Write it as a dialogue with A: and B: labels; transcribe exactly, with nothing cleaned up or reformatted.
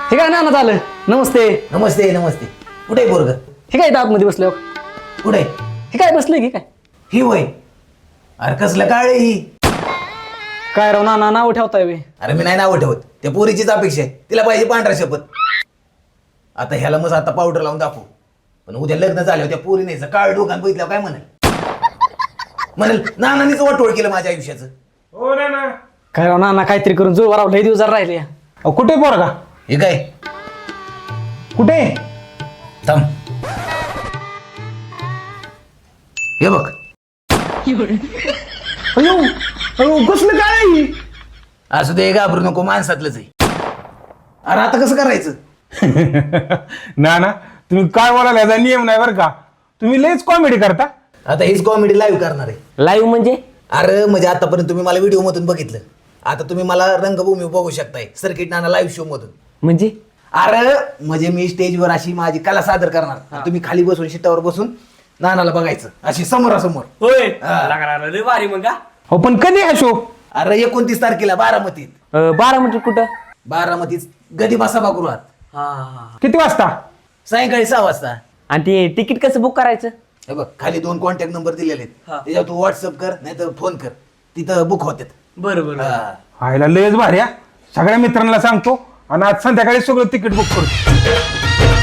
A: हे काय ना झालं. नमस्ते.
B: नमस्ते नमस्ते. कुठे आहे पोरग?
A: हे काय आतमध्ये बसलो.
B: कुठे?
A: हे काय बसले की काय?
B: ही वय. अरे कसलं काळ ही?
A: काय राव ना नाव ठेवताय वे.
B: अरे मी नाही नाव ठेवत, त्या पोरीचीच अपेक्षा आहे. तिला पाहिजे पांढरा शपथ. आता ह्याला मग आता पावडर लावून दाखवू, पण उद्या लग्न झाल्यावर त्या पोरी नाही काळ डोकान बघितल्यावर काय म्हणेल? म्हणेल नानानीच वाटोळ केलं माझ्या आयुष्याचं.
C: हो ना ना.
A: काय राव ना काहीतरी करून जो राव लय दिवस जरा राहिले.
C: अहो, कुठे पोरगा?
B: हे काय?
C: कुठे?
B: थांब. हे बघ.
C: अयो अयो कसलं काय आहे?
B: असू दे, घाबरू नको, माणसातलंच आहे. अरे आता कसं करायचं?
C: ना ना तुम्ही काय बोलायला याचा नियम नाही बरं का. तुम्ही लयच कॉमेडी करता.
B: आता हीच कॉमेडी लाईव्ह करणार आहे.
A: लाईव्ह म्हणजे?
B: अरे म्हणजे आतापर्यंत तुम्ही मला व्हिडिओ मधून बघितलं, आता तुम्ही मला रंगभूमी बघू शकताय सर्किट नाना लाईव्ह शो मधून.
A: म्हणजे
B: अरे म्हणजे मी स्टेजवर अशी माझी कला सादर करणार, तुम्ही खाली बसून शिटावर बसून नानाला बघायचं अशी समोरासमोर.
A: होय.
B: हा.
A: लय भारी मग का.
C: हो पण कधी हा शो?
B: अरे एकोणतीस तारखेला बारामतीत.
A: बारामती कुठं?
B: बारामतीत गदिमा सभागृहात
A: हा.
C: किती वाजता?
B: सायंकाळी सहा वाजता.
A: आणि ते तिकीट कसं बुक करायचं?
B: हे बघ खाली दोन कॉन्टॅक्ट नंबर दिलेले आहेत,
A: हा.
B: त्याच्यावर तू व्हॉट्सअप कर नाही तर फोन कर, तिथं बुक होतात.
A: बरोबर.
B: हा.
C: व्हायला लयच भारी हा. सगळ्या मित्रांना सांगतो आणि आज संध्याकाळी सगळं तिकीट बुक करतो.